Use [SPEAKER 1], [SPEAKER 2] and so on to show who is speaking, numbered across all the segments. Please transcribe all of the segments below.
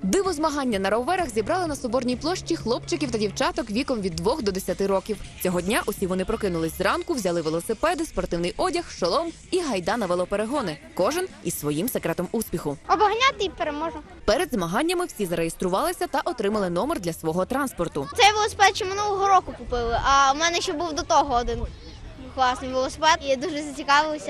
[SPEAKER 1] Диво-змагання на роверах зібрали на Соборній площі хлопчиків та дівчаток віком від 2 до 10 років. Цього дня усі вони прокинулись зранку, взяли велосипеди, спортивний одяг, шолом і гайда на велоперегони. Кожен із своїм секретом успіху.
[SPEAKER 2] Обганяти і переможу.
[SPEAKER 1] Перед змаганнями всі зареєструвалися та отримали номер для свого транспорту.
[SPEAKER 2] Цей велосипед ще минулого року купили, а в мене ще був до того один класний велосипед. І дуже зацікавилася.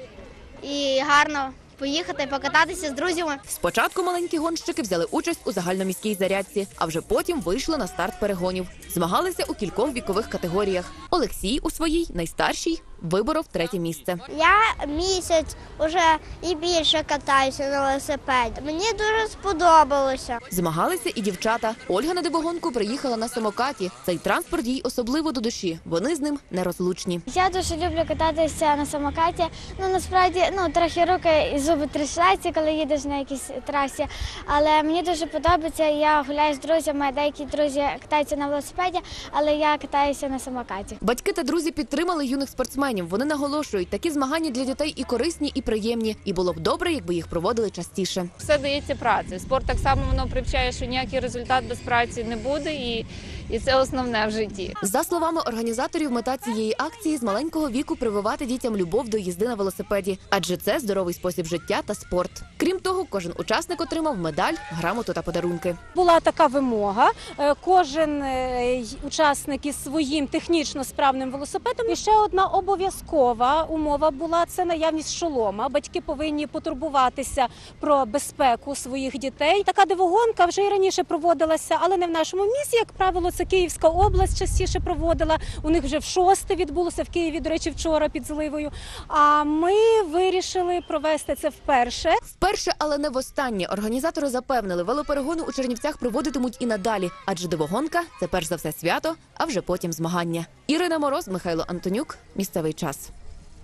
[SPEAKER 2] І гарно поїхати, покататися з друзями.
[SPEAKER 1] Спочатку маленькі гонщики взяли участь у загальноміській зарядці, а вже потім вийшли на старт перегонів. Змагалися у кількох вікових категоріях. Олексій у своїй, найстаршій, виборов 3-е місце.
[SPEAKER 2] Я місяць уже і більше катаюся на велосипеді. Мені дуже сподобалося.
[SPEAKER 1] Змагалися і дівчата. Ольга на дивогонку приїхала на самокаті. Цей транспорт їй особливо до душі. Вони з ним нерозлучні.
[SPEAKER 3] Я дуже люблю кататися на самокаті. Насправді, трохи руки і зуби трясуться, коли їдеш на якійсь трасі. Але мені дуже подобається, я гуляю з друзями, деякі друзі катаються на велосипеді, але я катаюся на самокаті.
[SPEAKER 1] Батьки та друзі підтримали юних спортсменів. Вони наголошують, такі змагання для дітей і корисні, і приємні. І було б добре, якби їх проводили частіше.
[SPEAKER 4] Все дається працею. Спорт так само воно привчає, що ніякий результат без праці не буде, і це основне в житті.
[SPEAKER 1] За словами організаторів, мета цієї акції з маленького віку прививати дітям любов до їзди на велосипеді, адже це здоровий спосіб життя та спорт. Крім того, кожен учасник отримав медаль, грамоту та подарунки.
[SPEAKER 5] Була така вимога. Кожен учасник із своїм технічно справним велосипедом. І ще одна обов'язкова умова була – це наявність шолома. Батьки повинні потурбуватися про безпеку своїх дітей. Така дивогонка вже і раніше проводилася, але не в нашому місті, як правило, це Київська область частіше проводила. У них вже в 6-те відбулося, в Києві, до речі, вчора під Зливою. А ми вирішили провести це вперше.
[SPEAKER 1] Вперше, але не востаннє. Організатори запевнили, велоперегони у Чернівцях проводитимуть і надалі. Адже дивогонка – це перш за все свято, а вже потім змагання. Ірина Мороз, Михайло Антонюк. Місцевий час.